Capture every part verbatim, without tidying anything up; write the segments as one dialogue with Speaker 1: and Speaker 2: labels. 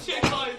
Speaker 1: Чекай.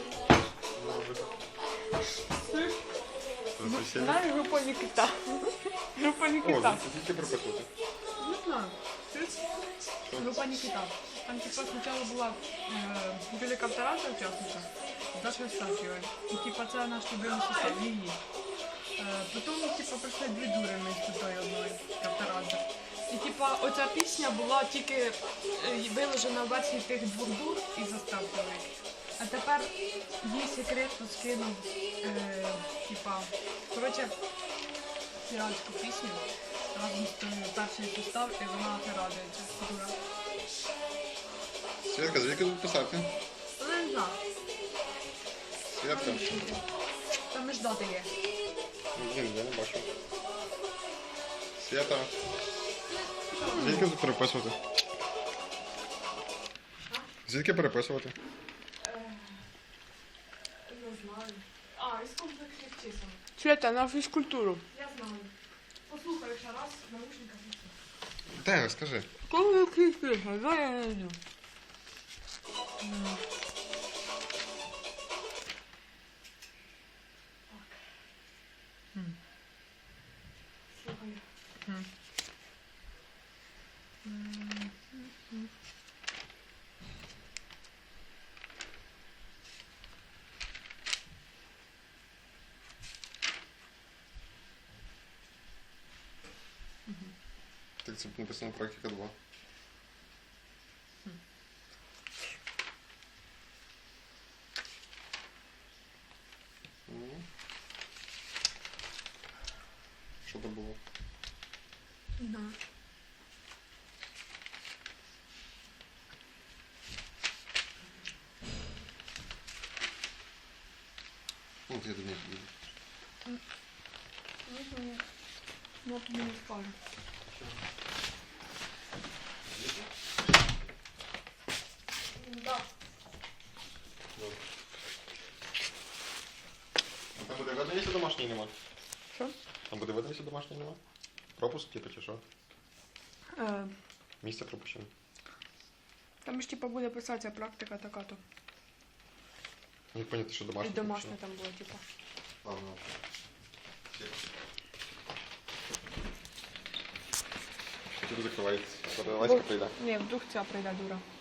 Speaker 1: Знаєш, група Нікіта. Група
Speaker 2: О,
Speaker 1: Нікіта.
Speaker 2: це тільки прописувати.
Speaker 1: Не знаю. Група Нікіта. Там типа спочатку була е, біля Кавтораза учасниця, Даша Євстафєва. І типа це наш любимий состав, її. Е, потім типа прийшли дві дури вместо тої одної Кавтораза. І типа оця пісня була тільки е, виложена в версії тих двох дур і заставки. А тепер їй секретно скинув, е, типа, коротше, піратську пісню разом з тим перший состав, і вона це радується. Дура.
Speaker 2: Святка, звідки тут писати?
Speaker 1: Але не знаю.
Speaker 2: Святка.
Speaker 1: Там і ждати є.
Speaker 2: Блін, я не бачу. Свята. Звідки тут переписувати? Звідки переписувати?
Speaker 1: Не знаю. А, із комплексних чисел. Свята, на фізкультуру. Я знаю. Послухай ще раз, наушника фіксуй.
Speaker 2: Де, скажи.
Speaker 1: Комплексних чисел, да, я не знаю. Слухай.
Speaker 2: Так це написано практика два. Що це було?
Speaker 1: Да.
Speaker 2: Ну, я до них піду.
Speaker 1: Я тобі не скажу. Да.
Speaker 2: А там буде видно, якщо домашній нема?
Speaker 1: Що?
Speaker 2: Там буде видно, якщо домашній нема? Пропуск, типу, чи що?
Speaker 1: Е,
Speaker 2: Місце пропущено.
Speaker 1: там ж типа буде писатися практика така-то.
Speaker 2: Не поняти, що
Speaker 1: І
Speaker 2: домашній
Speaker 1: домашня
Speaker 2: пропущено.
Speaker 1: там була, типа.
Speaker 2: Ладно. Хотів закривається. Васька прийде.
Speaker 1: Ні, вдруг ця прийде дура.